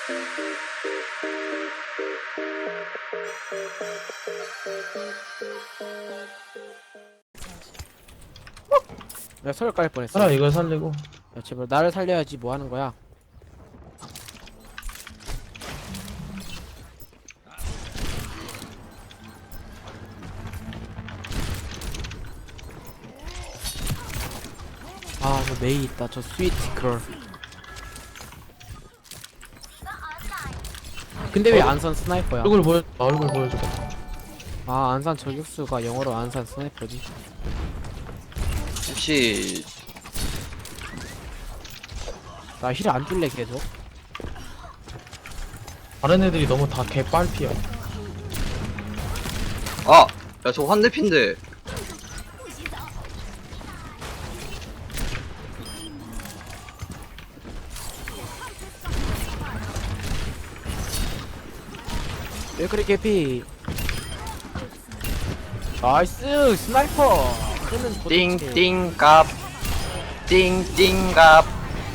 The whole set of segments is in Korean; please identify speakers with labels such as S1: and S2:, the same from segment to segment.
S1: 내가 서울 깔 뻔했어.
S2: 하나 이걸 살리고.
S1: 야, 제발 나를 살려야지. 뭐 하는 거야? 아, 저 메이 있다. 저 스위트 걸. 근데 왜 안산 스나이퍼야?
S2: 얼굴 보여. 얼굴 보여줘.
S1: 아, 안산 저격수가 영어로 안산 스나이퍼지.
S3: 혹시
S1: 나 힐 안 줄래 계속.
S2: 다른 애들이 너무 다 개빨피야.
S3: 아! 야 저거 환대핀데
S1: 왜 그리 개피? 나이스 스나이퍼. 그러면 도대체-
S3: 띵띵갑 띵띵갑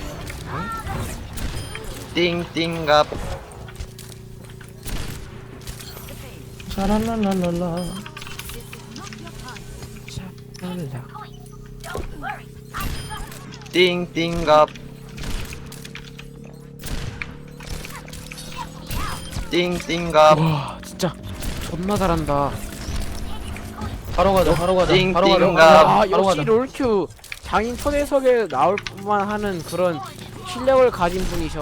S3: 띵띵갑
S2: 샤랄랄랄랄라.
S1: 랄라.
S3: 띵띵갑 띵띵갑
S1: 와 진짜 존나 잘한다.
S2: 바로 가자. 바로 가자.
S3: 띵,
S2: 바로 가자.
S3: 띵가.
S1: 아
S2: 바로
S1: 역시
S2: 가자.
S1: 롤큐 장인 초대석에 나올 뿐만 하는 그런 실력을 가진 분이셔.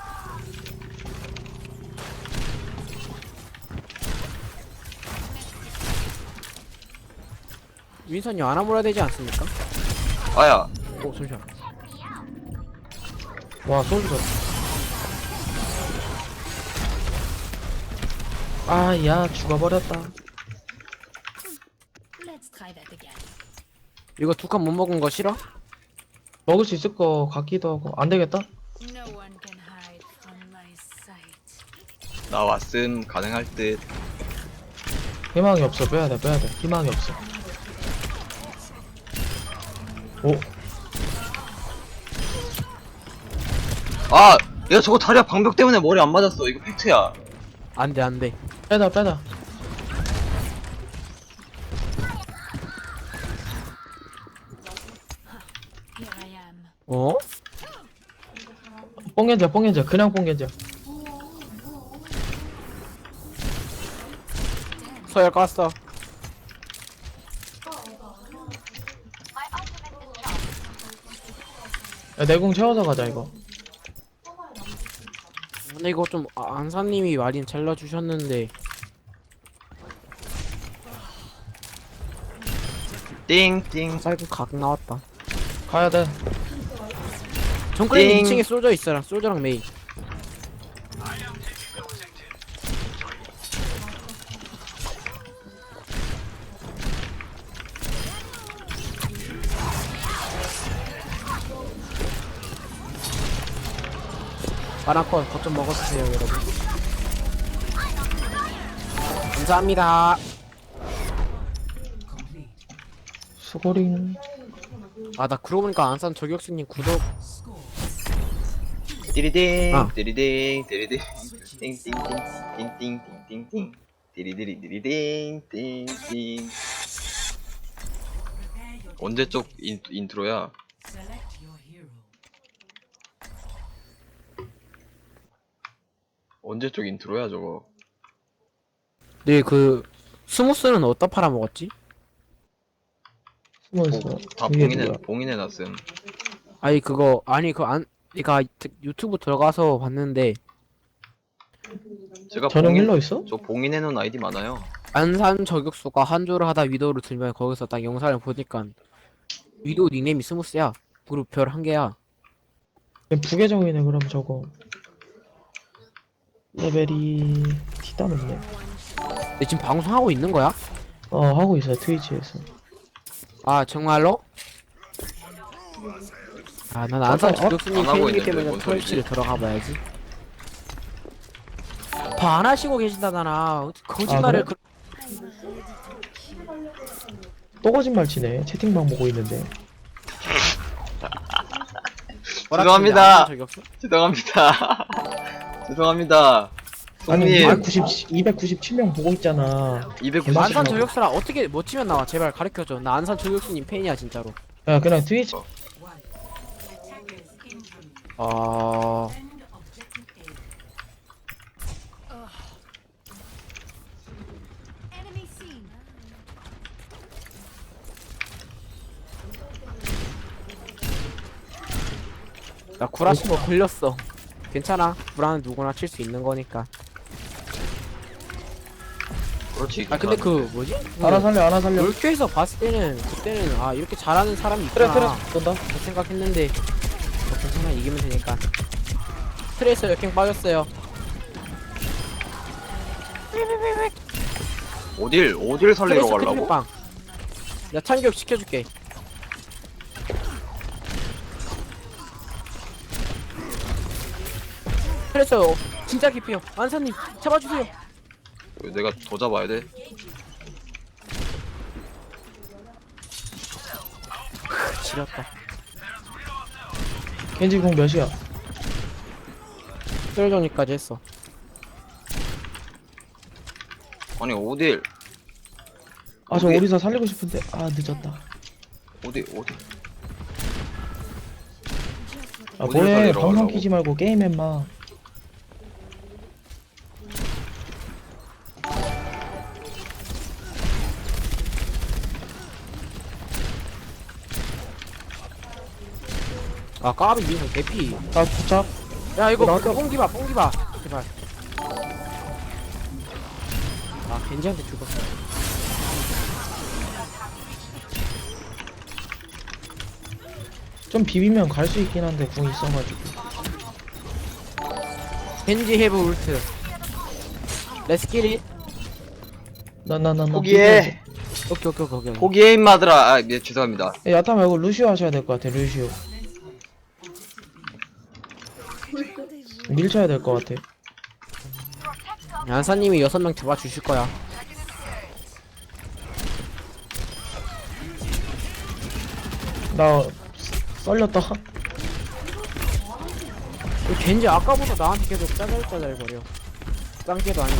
S1: 윈선이 안아물어야 되지 않습니까?
S3: 아야
S1: 오 잠시만.
S2: 와 솔져. 아야 죽어버렸다.
S4: Let's try that again.
S1: 이거 두 칸 못 먹은 거 싫어?
S2: 먹을 수 있을 거 같기도 하고. 안 되겠다.
S4: No one can hide from my sight.
S3: 나왔음 가능할 듯
S2: 희망이 없어. 빼야 돼. 빼야 돼. 희망이 없어. 오.
S3: 아! 야 저거 다리야 방벽 때문에 머리 안 맞았어 이거 팩트야
S1: 안돼 안돼.
S2: 빼다 빼다.
S4: Here I am.
S1: 어?
S2: 뽕겐자 뽕겐자. 그냥 뽕겐자.
S1: 서열 깠어.
S2: 야, 내공 채워서 가자 이거.
S1: 근데 이거 좀 안사님이 마린 잘라주셨는데
S3: 띵띵
S1: 사이클 각 나왔다.
S2: 가야 돼.
S1: 정크레인
S3: 띵.
S1: 2층에 솔저 있어라. 솔저랑 메이. 바나콘 거좀 먹어주세요 여러분. 감사합니다.
S2: 수고링.
S1: 아 나 그러고 보니까 안산 저격수님 구독
S3: 띠리딩
S1: 아.
S3: 띠리딩 띠리딩 띵띵띵 띵띵띵띵띵 띠리디리 띠리딩 띵띵 언제 쪽 인트로야? 언제 쪽 인트로야 저거?
S1: 네 그 스무스는 어디다 팔아먹었지?
S2: 숨어있어.
S3: 다
S2: 이게 누구야?
S3: 봉인해놨음.
S1: 아니 그거 아니 그니까 유튜브 들어가서 봤는데
S3: 제가
S2: 전용 힐러 있어?
S3: 저 봉인해놓은 아이디 많아요.
S1: 안산 저격수가 한조를 하다 위도우를 들면 거기서 딱 영상을 보니까 위도우 닉네임이 스무스야. 그리고 별 한 개야.
S2: 부계정이네 그럼 저거. 레벨이 티다 높네.
S1: 근데 지금 방송하고 있는 거야?
S2: 하고 있어요 트위치에서.
S1: 아 정말로? 아 난 안산
S2: 안
S1: 저격수님
S3: 하고
S1: 팬이기
S3: 있는데
S1: 때문에
S3: 뭔
S1: 트위치를 들어가 봐야지. 봐 안 하시고 계신다잖아. 거짓말을
S2: 그래? 또 거짓말 치네. 채팅방 보고 있는데.
S1: 뭐라
S3: 죄송합니다.
S1: 치는데, 안산 저격수?
S3: 죄송합니다. 죄송합니다.
S2: 아니
S3: 손님
S2: 297명 보고 있잖아.
S3: 290.
S1: 안산 저격수라 어떻게 뭐 치면 나와? 제발 가르쳐줘. 나 안산 저격수님 팬이야 진짜로.
S2: 야 그냥 트위치
S1: 아
S4: Enemy seen.
S1: 나 구라시 뭐 걸렸어. 괜찮아. 구라는 누구나 칠 수 있는 거니까.
S3: 그렇지.
S1: 아 근데 그 뭐지?
S2: 하나 살려 하나 살려.
S1: 롤큐에서 봤을 때는 그때는 아 이렇게 잘하는 사람이
S2: 그래
S1: 있구나
S2: 그래 쏜다.
S1: 그 생각했는데 뭐 괜찮아 이기면 되니까. 트레이서 역행 빠졌어요.
S3: 어딜 살리러
S1: 트레이서
S3: 가려고?
S1: 크리빵. 나 참교육 시켜줄게. 트레이서 진짜 깊이요. 안사님 잡아주세요.
S3: 왜 내가 더 잡아야 돼?
S1: 지렸다.
S2: 겐지 공 몇이야?
S1: 썰정리까지 했어.
S3: 아니 어딜
S2: 아 저
S3: 어디?
S2: 오리사 살리고 싶은데 아 늦었다.
S3: 어디
S2: 아
S3: 어디를
S2: 뭐해
S3: 살리러
S2: 방송
S3: 가려고?
S2: 키지 말고 게임해 마.
S1: 아 까비 민성 개피.
S2: 나 부착.
S1: 야 이거
S2: 나왔다.
S1: 뽕기봐 뽕기봐 제발. 아 겐지한테 죽었어.
S2: 좀 비비면 갈 수 있긴 한데 궁 있어가지고.
S1: 겐지 헤브 울트. 레스키리.
S2: 나나나
S3: 포기해.
S1: 오케이.
S3: 포기해 임마들아. 아, 예, 죄송합니다.
S2: 야타 말고 루시오 하셔야 될 것 같아. 루시오 밀쳐야 될 것 같아.
S1: 안사님이 6명 잡아주실 거야.
S2: 나 썰렸다.
S1: 이 겐지 아까보다 나한테 계속 짜잘짜잘 거려. 짱게도 아니고.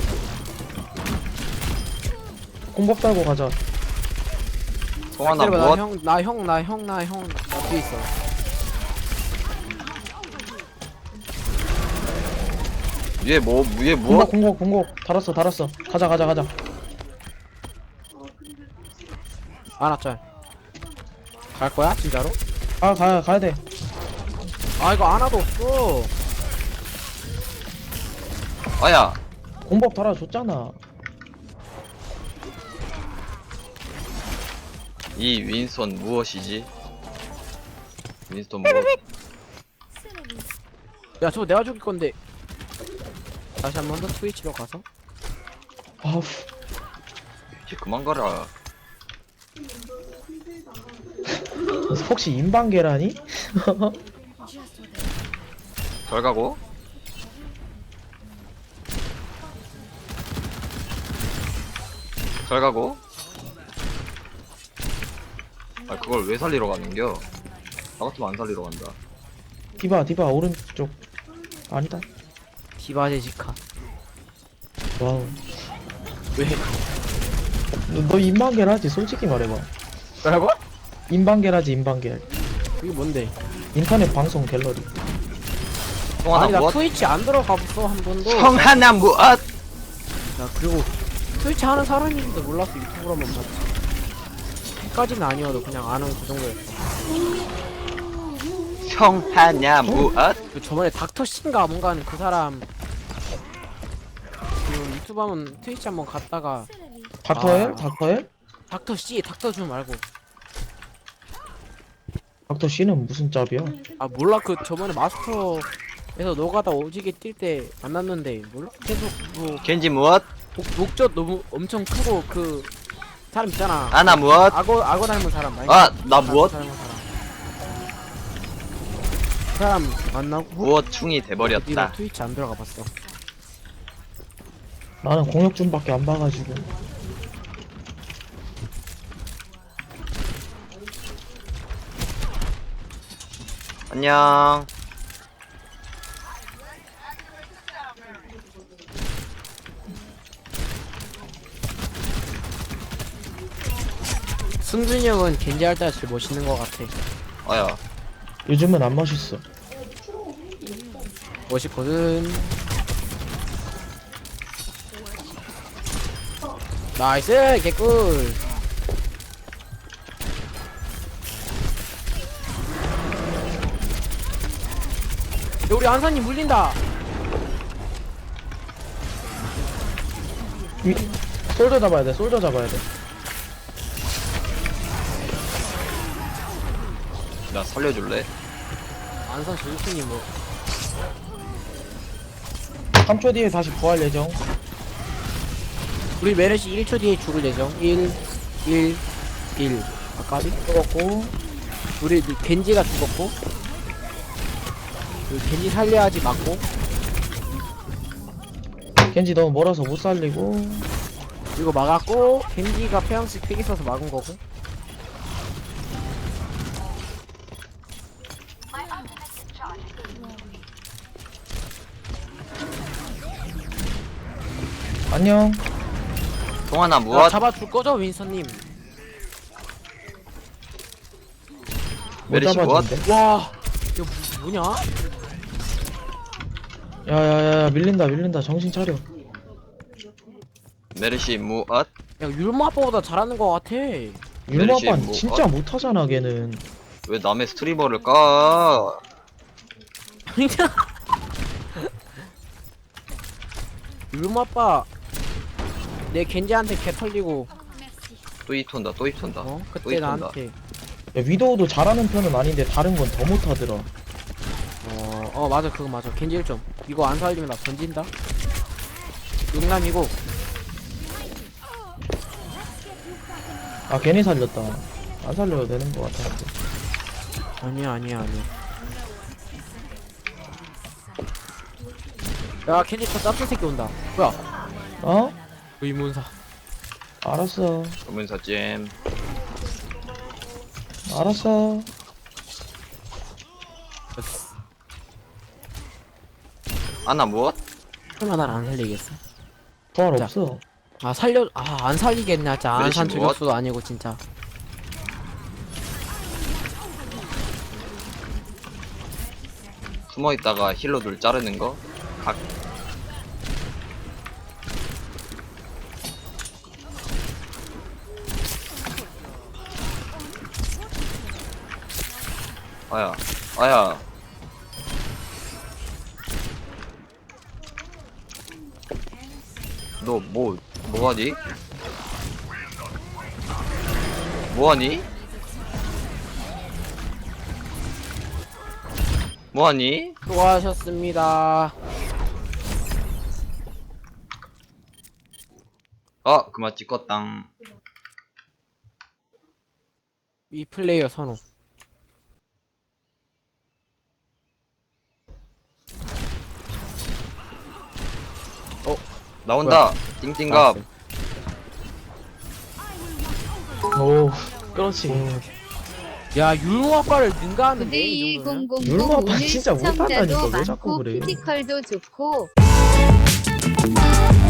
S2: 공법 달고 가자.
S3: 성환아
S1: 기다려봐,
S3: 무엇?
S1: 나 뒤에 있어.
S3: 위에
S2: 공법
S3: 무엇?
S2: 공법 달았어. 가자.
S1: 아나짤. 갈 거야 진짜로?
S2: 아 가야 돼.
S1: 아 이거 아나도 없어.
S3: 아야
S2: 공법 달아줬잖아.
S3: 이 윈스턴 무엇이지? 윈스턴 무엇?
S1: 야 저거 내가 죽일 건데. 다시 한 번 더 트위치로 가서.
S2: 아우
S3: 이제 그만 가라.
S2: 혹시 인방 계란이?
S3: 잘 가고. 잘 가고. 아 그걸 왜 살리러 가는겨? 나 같으면 안 살리러 간다.
S2: 디바 오른쪽 아니다.
S1: 디바제지카.
S2: 와우.
S1: 왜?
S2: 너 인방 계란하지? 솔직히 말해봐.
S1: 뭐라고?
S2: 인방 계란하지 인방 계란.
S1: 이게 뭔데?
S2: 인터넷 방송 갤러리.
S1: 아니
S3: 성환아
S1: 나
S3: 무엇?
S1: 트위치 안 들어가봤어 한 번도.
S3: 성환아 무엇?
S1: 야 그리고 트위치 하는 사람인지도 몰랐어. 유튜브로만 봤지. 까지는 아니어도 그냥 아는 그 정도였어.
S3: 성환아 무엇?
S1: 그 저번에 닥터씨인가 뭔가 하는 그 사람 그 유튜브 하면 트위치 한번 갔다가
S2: 닥터엘?
S1: 아.
S2: 닥터엘?
S1: 닥터씨 닥터주 말고
S2: 닥터 C는 무슨 짭이야?
S1: 아 몰라 그 저번에 마스터에서 노가다 오지게 뛸 때 만났는데 몰라? 계속 뭐
S3: 겐지 무엇?
S1: 목젖 너무 엄청 크고 그 사람 있잖아.
S3: 아나 무엇?
S1: 악어 닮은 사람 많이.
S3: 아 나 무엇?
S1: 닮은 사람. 그 사람 만나고
S3: 무엇 충이
S1: 뒤로
S3: 돼버렸다.
S1: 트위치 안 들어가 봤어.
S2: 나는 공혁준밖에 안 봐가지고.
S3: 안녕.
S1: 승준이 형은 겐지 할 때가 제일 멋있는 것 같아.
S3: 아야.
S2: 요즘은 안 멋있어.
S1: 멋있거든. 나이스 개꿀. 야, 우리 안산님 물린다.
S2: 솔저 잡아야 돼. 솔저 잡아야 돼.
S3: 나 살려줄래?
S1: 안산 조수님 뭐
S2: 3초 뒤에 다시 부활 예정.
S1: 우리 메르시 1초 뒤에 죽을 예정. 1 아까비
S2: 죽었고.
S1: 우리 겐지가 죽었고 우리 겐지 살려야지 맞고
S2: 겐지 너무 멀어서 못 살리고.
S1: 이거 막았고 겐지가 폐왕식 팩 있어서 막은 거고.
S2: 안녕.
S3: 동아나
S1: 야,
S3: 무엇?
S1: 잡아줄 거죠 윈서님?
S2: 못
S3: 메리시 무엇?
S2: 잡아준대.
S1: 와 이거 뭐냐?
S2: 야야야 밀린다. 정신 차려.
S3: 메르시 무엇?
S1: 야 율마 아빠보다 잘하는 거 같아.
S2: 율마 아빠
S3: 뭐,
S2: 진짜 못하잖아 걔는.
S3: 왜 남의 스트리머를 까?
S1: 율마 아빠 내 겐지한테 개 털리고
S3: 또 입턴다 또 입턴다.
S1: 어
S3: 또
S1: 그때
S3: 입턴다.
S1: 나한테
S2: 야, 위도우도 잘하는 편은 아닌데 다른 건 더 못하더라.
S1: 맞아 그거 맞아. 겐지 1점 이거 안 살리면 나 던진다. 용남이고
S2: 아 괜히 살렸다. 안 살려도 되는 것 같아.
S1: 아니야 야 겐지 저 짭짤 새끼 온다. 뭐야
S2: 어?
S1: 의문사.
S2: 알았어.
S3: 조문사 잼.
S2: 알았어.
S3: 아나 무엇?
S1: 설마 날 안 살리겠어?
S2: 부활
S1: 자.
S2: 없어.
S1: 안 살리겠네. 진짜
S3: 메리시
S1: 안산
S3: 무엇?
S1: 저격수도 아니고 진짜.
S3: 숨어 있다가 힐러들 자르는 거? 각. 아야. 너 뭐하니? 뭐하니? 뭐하니?
S1: 수고하셨습니다.
S3: 아, 그만 찍었당.
S1: 이 플레이어 선호.
S3: 나온다. 띵띵갑.
S2: 오, 그렇지.
S1: 야 율무 아빠를 능가하는데 이
S5: 9대2
S1: 정도면?
S5: 000
S2: 율마 아빠
S5: 오늘
S2: 진짜
S5: 시청자도
S2: 못한다니까. 왜 자꾸
S5: 많고
S2: 그래.
S5: 피지컬도 좋고